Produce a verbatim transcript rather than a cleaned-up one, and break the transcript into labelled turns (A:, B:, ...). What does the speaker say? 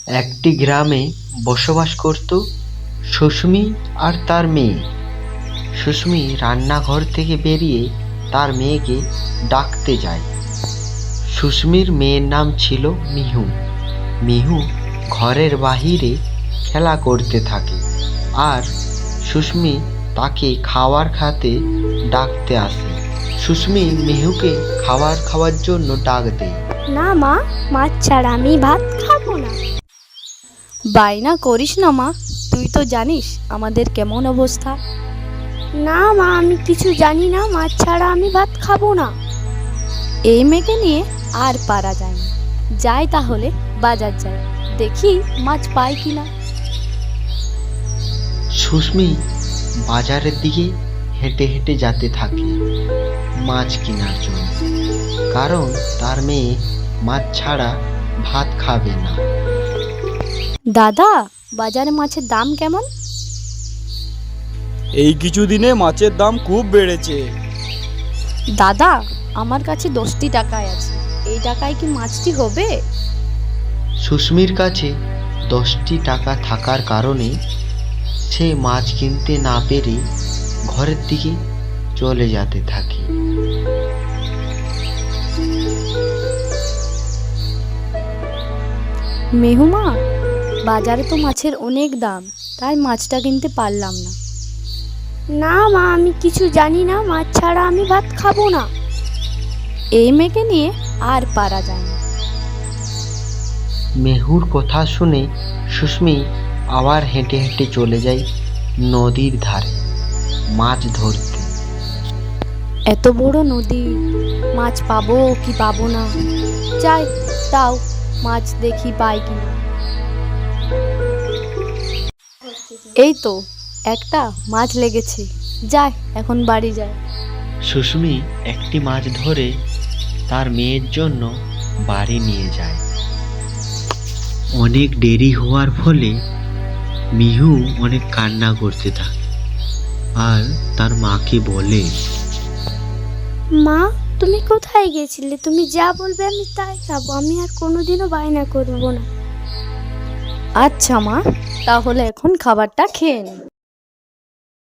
A: একটি গ্রামে বসবাস করত সুস্মি আর তার মেয়ে। সুস্মি রান্নাঘর থেকে বেরিয়ে তার মেয়েকে ডাকতে যায়। সুস্মির মেয়ের নাম ছিল মিহু। মিহু ঘরের বাহিরে খেলা করতে থাকে আর সুস্মি তাকে খাবার খাতে ডাকতে আসে। সুস্মি মিহুকে খাবার খাওয়ার জন্য ডাক দেয়।
B: না মা, মাছ ছাড়া আমি ভাত খাবো না।
C: বায়না করিস না মা, তুই তো জানিস আমাদের কেমন অবস্থা।
B: না মা, আমি কিছু জানি না, মাছ ছাড়া আমি ভাত খাবো না।
C: এই মেয়েকে নিয়ে আর পারা যায় না। যাই তাহলে বাজার যাই, দেখি মাছ পাই কিনা।
A: সুস্মি বাজারের দিকে হেঁটে হেঁটে যেতে থাকে মাছ কেনার জন্য, কারণ তার মেয়ে মাছ ছাড়া ভাত খাবে না।
C: দাদা, বাজারে মাছের দাম কেমন?
D: এই কিছুদিনে মাছের দাম খুব বেড়েছে।
C: দাদা, আমার কাছে দশটি টাকায় আছে, এই টাকায় কি মাছটি হবে?
A: সুস্মির কাছে দশটি টাকা থাকার কারণে সে মাছ কিনতে না পেরে ঘরের দিকে চলে যেতে থাকে।
C: মেহুমা, বাজারে তো মাছের অনেক দাম, তাই মাছটা কিনতে পারলাম না।
B: না মা, আমি কিছু জানি না, মাছ ছাড়া আমি ভাত খাবো না।
C: এই মেয়েকে নিয়ে আর পারা যায় না।
A: মেহুর কথা শুনে সুস্মি আবার হেঁটে হেঁটে চলে যায় নদীর ধারে মাছ ধরতে।
C: এত বড় নদী, মাছ পাবো কি পাবো না। যাই, তাও মাছ দেখি পাই কিনা। এই তো একটা মাছ লেগেছে, যাই এখন বাড়ি যাই।
A: সুস্মি একটি মাছ ধরে তার মেয়ের জন্য বাড়ি নিয়ে যায়। অনেক দেরি হওয়ার ফলে মিহু অনেক কান্না করতে থাকে আর তার মাকে বলে,
B: মা, তুমি কোথায় গেছিলে? তুমি যা বলবে আমি তাই খাবো, আমি আর কোনোদিনও বায়না করবো না।
C: আচ্ছা মা, তাহলে এখন খাবারটা খেয়ে নে।